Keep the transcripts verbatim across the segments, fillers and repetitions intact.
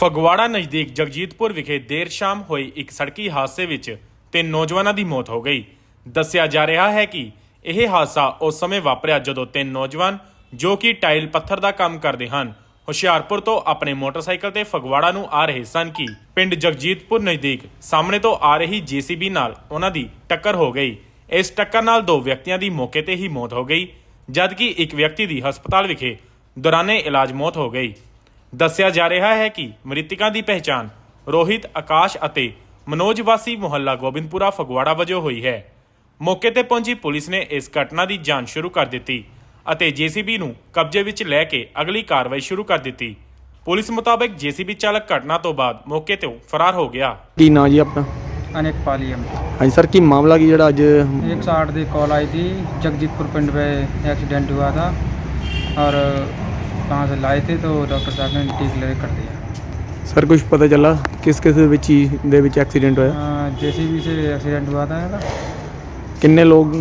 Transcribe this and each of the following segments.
ਫਗਵਾੜਾ ਨਜ਼ਦੀਕ ਜਗਜੀਤਪੁਰ ਵਿਖੇ ਦੇਰ ਸ਼ਾਮ ਹੋਈ ਇੱਕ ਸੜਕੀ ਹਾਦਸੇ ਵਿੱਚ ਤਿੰਨ ਨੌਜਵਾਨਾਂ ਦੀ ਮੌਤ ਹੋ ਗਈ। ਦੱਸਿਆ ਜਾ ਰਿਹਾ ਹੈ ਕਿ ਇਹ ਹਾਦਸਾ ਉਸ ਸਮੇਂ ਵਾਪਰਿਆ ਜਦੋਂ ਤਿੰਨ ਨੌਜਵਾਨ ਜੋ ਕਿ ਟਾਇਲ ਪੱਥਰ ਦਾ ਕੰਮ ਕਰਦੇ ਹਨ, ਹੁਸ਼ਿਆਰਪੁਰ ਤੋਂ ਆਪਣੇ ਮੋਟਰਸਾਈਕਲ ਤੇ ਫਗਵਾੜਾ ਨੂੰ ਆ ਰਹੇ ਸਨ ਕਿ ਪਿੰਡ ਜਗਜੀਤਪੁਰ ਨਜ਼ਦੀਕ ਸਾਹਮਣੇ ਤੋਂ ਆ ਰਹੀ ਜੀਸੀਬੀ ਨਾਲ ਉਹਨਾਂ ਦੀ ਟੱਕਰ ਹੋ ਗਈ। ਇਸ ਟੱਕਰ ਨਾਲ ਦੋ ਵਿਅਕਤੀਆਂ ਦੀ ਮੌਕੇ ਤੇ ਹੀ ਮੌਤ ਹੋ ਗਈ, ਜਦਕਿ ਇੱਕ ਵਿਅਕਤੀ ਦੀ ਹਸਪਤਾਲ ਵਿਖੇ ਦੌਰਾਨੇ ਇਲਾਜ ਮੌਤ ਹੋ ਗਈ। ਦੱਸਿਆ ਜਾ ਰਿਹਾ ਹੈ ਕਿ ਮ੍ਰਿਤਕਾਂ ਦੀ ਪਹਿਚਾਣ ਰੋਹਿਤ, ਆਕਾਸ਼ ਅਤੇ ਮਨੋਜ ਵਾਸੀ ਮੁਹੱਲਾ ਗੋਬਿੰਦਪੁਰਾ ਫਗਵਾੜਾ ਵਜੋਂ ਹੋਈ ਹੈ। ਮੌਕੇ ਤੇ ਪਹੁੰਚੀ ਪੁਲਿਸ ਨੇ ਇਸ ਘਟਨਾ ਦੀ ਜਾਂਚ ਸ਼ੁਰੂ ਕਰ ਦਿੱਤੀ ਅਤੇ ਜੀਸੀਬੀ ਨੂੰ ਕਬਜ਼ੇ ਵਿੱਚ ਲੈ ਕੇ ਅਗਲੀ ਕਾਰਵਾਈ ਸ਼ੁਰੂ ਕਰ ਦਿੱਤੀ। ਪੁਲਿਸ ਮੁਤਾਬਕ ਜੀਸੀਬੀ ਚਾਲਕ ਘਟਨਾ ਤੋਂ ਬਾਅਦ ਮੌਕੇ ਤੋਂ ਫਰਾਰ ਹੋ ਗਿਆ। ਕੀ ਨਾਂ ਜੀ ਆਪਣਾ? अनेक पाली हम हाँ जी सर, की मामला की जरा अज एक सौ आठ की कॉल आई थी। जगजीतपुर पिंड पे एक्सीडेंट हुआ था और वहाँ से लाए थे तो डॉक्टर साहब ने टी क्लियर कर दिया। सर कुछ पता चला किस किस दे विच एक्सीडेंट होया? जेसीबी से एक्सीडेंट हुआ था। किन्ने लोग?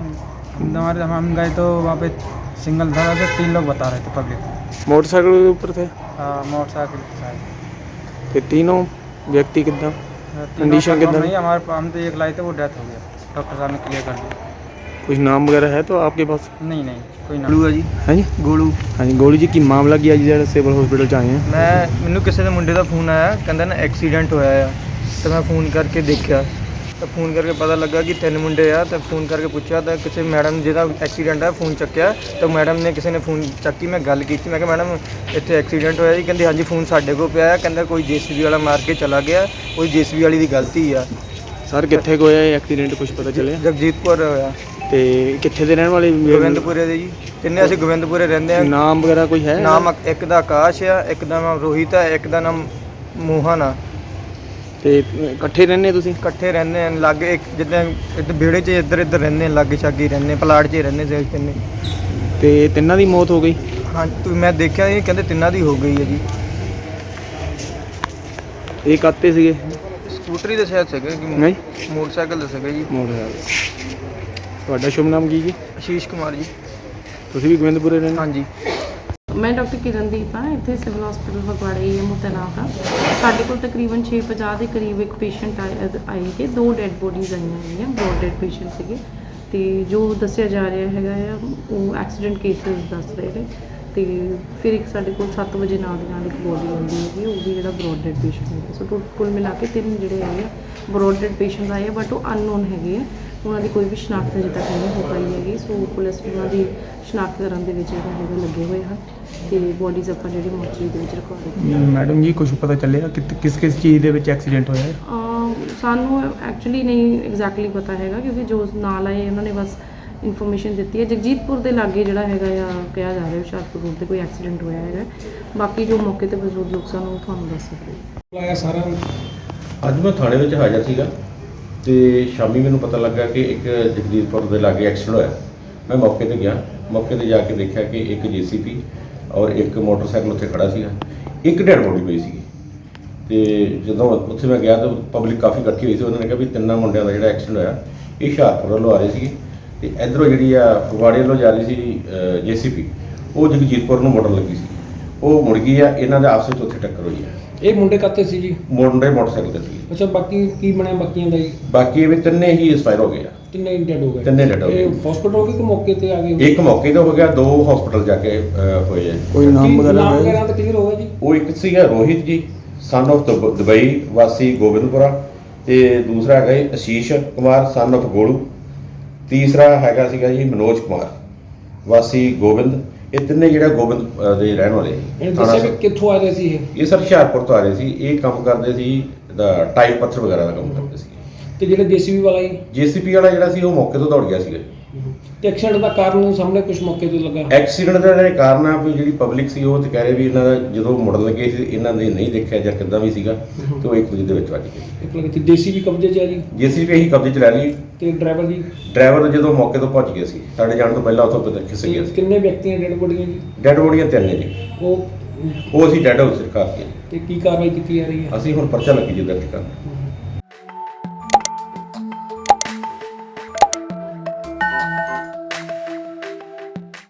हमारे हम गए तो वहाँ पे सिंगल था तो तीन लोग बता रहे थे पब्लिक। मोटरसाइकिल के ऊपर थे? हाँ मोटरसाइकिल। तो तीनों व्यक्ति कितना कंडीशन कितना? नहीं, हमारे हम तो एक लाए थे वो डेथ हो गया, डॉक्टर साहब ने क्लियर कर दिया। कुछ नाम वगैरह है तो आपके पास? नहीं नहीं कोई नाम। गोलू है जी। हाँ जी गोलू। हाँ जी गोलू जी, की मामला की अज जो सिविल हॉस्पिटल च आए हैं? मैं मैनू किसी के मुंडे का फोन आया, कहता ना एक्सीडेंट होया है तो मैं फोन करके देखा तो फोन करके पता लगा कि तीन मुंडे आ तो फोन करके पूछा तो किसी मैडम जिहदा एक्सीडेंट है फोन चुक्या तो मैडम ने किसी ने फोन चुकी। मैं गल की, मैं कहा मैडम इत्थे एक्सीडेंट होया जी? कहंदी हाँ जी फोन साडे कोल पिया है, कहंदा कोई जेसीबी वाला मार के चला गया, कोई जेसीबी वाली दी गलती है। सर कित्थे को होया एक्सीडेंट कुछ पता चले? जगजीतपुर होया। ते कित्थे दे रहने वाले? गोविंदपुरे दे जी, तिन्ने असीं गोविंदपुरे रहिंदे आ। नाम वगैरह कोई है? नाम एक दा आकाश है, एक दा नाम रोहित है, एक दा नाम मोहन है। ਤੇ ਇਕੱਠੇ ਰਹਿੰਦੇ ਤੁਸੀਂ? ਇਕੱਠੇ ਰਹਿੰਦੇ ਆ ਲਾਗੇ, ਇੱਕ ਜਿੱਦਾਂ ਇੱਧਰ ਵਿਹੜੇ 'ਚ ਇੱਧਰ ਇੱਧਰ ਰਹਿੰਦੇ, ਲਾਗੇ ਛਾਗੇ ਰਹਿੰਦੇ, ਪਲਾਟ 'ਚ ਹੀ ਰਹਿੰਦੇ ਸੀ ਤਿੰਨੇ। ਤੇ ਤਿੰਨਾਂ ਦੀ ਮੌਤ ਹੋ ਗਈ? ਹਾਂ ਮੈਂ ਦੇਖਿਆ ਜੀ, ਕਹਿੰਦੇ ਤਿੰਨਾਂ ਦੀ ਹੋ ਗਈ ਹੈ ਜੀ। ਇਹ ਕਾਤੇ ਸੀਗੇ? ਸਕੂਟਰੀ ਦੇ ਸ਼ਾਇਦ ਸੀਗੇ ਕਿ ਨਹੀਂ ਮੋਟਰਸਾਈਕਲ ਦੇ ਸੀਗੇ ਜੀ। ਮੋਟਰਸਾਈਕਲ। ਤੁਹਾਡਾ ਸ਼ੁਭ ਨਾਮ ਕੀ ਜੀ? ਆਸ਼ੀਸ਼ ਕੁਮਾਰ ਜੀ। ਤੁਸੀਂ ਵੀ ਗੋਬਿੰਦਪੁਰੇ ਰਹਿੰਦੇ? ਹਾਂਜੀ। मैं डॉक्टर किरणदीप हाँ, इतने सिविल हॉस्पिटल फगवाड़ा ही है मुतैनात हाँ। साढ़े को तकरीबन छे पचास के करीब एक पेशेंट आए आए थे, दो डेड बॉडीज़ आई हुई ब्रॉड डेड पेशेंट से। तो जो दसिया जा रहा है वो एक्सीडेंट केसिस दस रहे थे। तो फिर एक साढ़े को सत्त बजे नाल दी नाल एक बॉडी आती है, वो भी जो ब्रॉड डेड पेशेंट है। सो कुल मिला के तीन जोड़े है ब्रॉड डेड पेशेंट आए, बट वो अननोन है, उन्होंने कोई भी शनाख्त अजे तक नहीं हो पाई हैगी। सो पुलिस उन्होंने शनाख्त करने के लगे हुए हैं ਤੇ ਬੋਡੀਜ਼ ਆਪਾਂ ਜਿਹੜੀ ਮੋਰਚਰੀ ਦੇ ਵਿੱਚ ਰਖਵਾ ਦਿੱਤੀ। ਮੈਡਮ ਜੀ ਕੁਝ ਪਤਾ ਚੱਲਿਆ ਕਿ ਕਿਸ ਕਿਸ ਚੀਜ਼ ਦੇ ਵਿੱਚ ਐਕਸੀਡੈਂਟ ਹੋਇਆ ਹੈ? ਸਾਨੂੰ ਐਕਚੁਅਲੀ ਨਹੀਂ ਐਗਜ਼ੈਕਟਲੀ ਪਤਾ ਹੈਗਾ, ਕਿਉਂਕਿ ਜੋ ਨਾਲ ਆਏ ਉਹਨਾਂ ਨੇ ਬਸ ਇਨਫੋਰਮੇਸ਼ਨ ਦਿੱਤੀ ਹੈ। ਜਗਜੀਤਪੁਰ ਦੇ ਲਾਗੇ ਜਿਹੜਾ ਹੈਗਾ ਆ ਕਿਹਾ ਜਾ ਰਿਹਾ ਹੁਸ਼ਿਆਰਪੁਰ ਰੋਡ ਤੇ ਕੋਈ ਐਕਸੀਡੈਂਟ ਹੋਇਆ ਹੈਗਾ। ਬਾਕੀ ਜੋ ਮੌਕੇ ਤੇ ਮੌਜੂਦ ਲੋਕ ਸਨ ਉਹ ਤੁਹਾਨੂੰ ਦੱਸ ਸਕਦੇ। ਸਾਰਾ ਅੱਜ ਮੈਂ ਥਾਣੇ ਵਿੱਚ ਹਾਜ਼ਰ ਸੀਗਾ ਤੇ ਸ਼ਾਮੀ ਮੈਨੂੰ ਪਤਾ ਲੱਗਾ ਕਿ ਇੱਕ ਜਗਜੀਤਪੁਰ ਦੇ ਲਾਗੇ ਐਕਸੀਡੈਂਟ ਹੋਇਆ। ਮੈਂ ਮੌਕੇ ਤੇ ਗਿਆ, ਮੌਕੇ ਤੇ ਜਾ ਕੇ ਦੇਖਿਆ ਕਿ ਇੱਕ ਜੀਸੀਪੀ ਔਰ ਇੱਕ ਮੋਟਰਸਾਈਕਲ ਉੱਥੇ ਖੜਾ ਸੀਗਾ, ਇੱਕ ਡੈਡ ਬੋਡੀ ਪਈ ਸੀਗੀ। ਤੇ ਜਦੋਂ ਉੱਥੇ ਮੈਂ ਗਿਆ ਤਾਂ ਪਬਲਿਕ ਕਾਫੀ ਇਕੱਠੀ ਹੋਈ ਸੀ। ਉਹਨਾਂ ਨੇ ਕਿਹਾ ਵੀ ਤਿੰਨਾਂ ਮੁੰਡਿਆਂ ਦਾ ਜਿਹੜਾ ਐਕਸੀਡੈਂਟ ਹੋਇਆ ਇਹ ਹੁਸ਼ਿਆਰਪੁਰ ਵੱਲੋਂ ਆ ਰਹੇ ਸੀਗੇ ਤੇ ਇੱਧਰੋਂ ਜਿਹੜੀ ਆ ਫਗਵਾੜੇ ਵੱਲੋਂ ਜਾ ਰਹੀ ਸੀ ਜੇਸੀਪੀ, ਉਹ ਜਗਜੀਤਪੁਰ ਨੂੰ ਮੁੜਨ ਲੱਗੀ ਸੀ, ਉਹ ਮੁੜ ਗਈ ਆ। ਇਹਨਾਂ ਦੇ ਆਪਸ ਵਿੱਚ ਉੱਥੇ ਟੱਕਰ ਹੋਈ ਆ। ਇਹ ਮੁੰਡੇ ਕਾਤੇ ਸੀ ਜੀ? ਮੁੰਡੇ ਮੋਟਰਸਾਈਕਲ ਤੇ ਸੀ। ਅੱਛਾ, ਬਾਕੀ ਕੀ ਬਣਿਆ ਬਾਕੀਆਂ ਦਾ ਜੀ? ਬਾਕੀ ਇਹ ਵੀ ਤਿੰਨੇ ਹੀ ਐਕਸਪਾਇਰ ਹੋ ਗਏ ਆ। ਤਿੰਨੇ ਡੈਡ ਹੋ ਗਏ? ਤਿੰਨੇ ਡੈਡ ਹੋ ਗਏ। ਇਹ ਹਸਪੀਟਲ ਹੋ ਗਏ ਕਿ ਮੌਕੇ ਤੇ ਆ ਗਏ? ਇੱਕ ਮੌਕੇ ਤੇ ਹੋ ਗਿਆ, ਦੋ ਹਸਪੀਟਲ ਜਾ ਕੇ ਹੋਏ ਆ। ਕੋਈ ਨਾਮ ਵਗੈਰਾ ਨਾਮ ਵਗੈਰਾ ਤਾਂ ਕਲੀਅਰ ਹੋਇਆ ਜੀ? ਉਹ ਇੱਕ ਸੀਗਾ ਰੋਹਿਤ ਜੀ, ਸਨ ਆਫ ਦੁਬਈ ਵਾਸੀ ਗੋਬਿੰਦਪੁਰਾ, ਤੇ ਦੂਸਰਾ ਹੈਗਾ ਜੀ ਆਸ਼ੀਸ਼ ਕੁਮਾਰ ਸਨ ਆਫ ਗੋਲੂ, ਤੀਸਰਾ ਹੈਗਾ ਸੀਗਾ ਜੀ ਮਨੋਜ ਕੁਮਾਰ ਵਾਸੀ ਗੋਬਿੰਦ। ਇਹ ਤਿੰਨੇ ਜਿਹੜਾ ਗੋਬਿੰਦ ਦੇ ਰਹਿਣ ਵਾਲੇ। ਇਹ ਦੱਸਿਆ ਕਿ ਕਿੱਥੋਂ ਆ ਰਹੇ ਸੀ ਇਹ? ਇਹ ਸਰ ਹੁਸ਼ਿਆਰਪੁਰ ਤੋਂ ਆ ਰਹੇ ਸੀ। ਇਹ ਕੰਮ ਕਰਦੇ ਸੀ ਟਾਈਲ ਪੱਥਰ ਵਗੈਰਾ ਦਾ ਕੰਮ ਕਰਦੇ ਸੀ। ਤੇ ਜਿਹੜਾ ਜੀਸੀਬੀ ਵਾਲਾ ਜੀ? ਜੀਸੀਬੀ ਵਾਲਾ ਜਿਹੜਾ ਸੀ ਉਹ ਮੌਕੇ ਤੋਂ ਦੌੜ ਗਿਆ ਸੀਗਾ। ਤੇ ਐਕਸੀਡੈਂਟ ਦਾ ਕਾਰਨ ਸਾਹਮਣੇ ਕੁਝ ਮੌਕੇ ਤੇ ਲੱਗਾ? ਐਕਸੀਡੈਂਟ ਦਾ ਜਿਹੜਾ ਕਾਰਨ ਆ ਵੀ ਜਿਹੜੀ ਪਬਲਿਕ ਸੀ ਉਹ ਤੇ ਕਹਿ ਰਹੇ ਵੀ ਇਹਨਾਂ ਦਾ ਜਦੋਂ ਮੁੜਨ ਲੱਗੇ ਸੀ ਇਹਨਾਂ ਨੇ ਨਹੀਂ ਦੇਖਿਆ ਜਾਂ ਕਿੱਦਾਂ ਵੀ ਸੀਗਾ ਤੇ ਉਹ ਇੱਕ ਦੂਜੇ ਦੇ ਵਿੱਚ ਵੱਜ ਗਏ। ਇੱਕ ਲੱਗੇ ਤੇ ਜੀਸੀਬੀ ਕਬਜ਼ੇ 'ਚ ਆ ਜੀ? ਜੀਸੀਬੀ ਇਹੀ ਕਬਜ਼ੇ 'ਚ ਲੈ ਲਈ। ਤੇ ਡਰਾਈਵਰ ਜੀ? ਡਰਾਈਵਰ ਜਦੋਂ ਮੌਕੇ ਤੋਂ ਪਹੁੰਚ ਗਿਆ ਸੀ, ਸਾਡੇ ਜਾਣ ਤੋਂ ਪਹਿਲਾਂ ਉੱਥੋਂ ਪਤਾ ਖਿਸ ਗਿਆ ਸੀ। ਕਿੰਨੇ ਵਿਅਕਤੀਆਂ ਡੈਡ ਬੋਡੀਆਂ ਜੀ? ਡੈਡ ਬੋਡੀਆਂ ਤਿੰਨ ਨੇ ਜੀ। ਉਹ ਉਹ ਅਸੀਂ ਡੈਡ ਹਾਊਸ ਸਰਕਾਰ ਦੀ। ਤੇ ਕੀ ਕਾਰਵਾਈ ਕੀਤੀ ਜਾ ਰਹੀ ਹੈ? ਅਸੀਂ ਹੁਣ ਪਰਚਾ ਲੱਗੀ ਜੀ ਦਰਜ ਕਰਨ।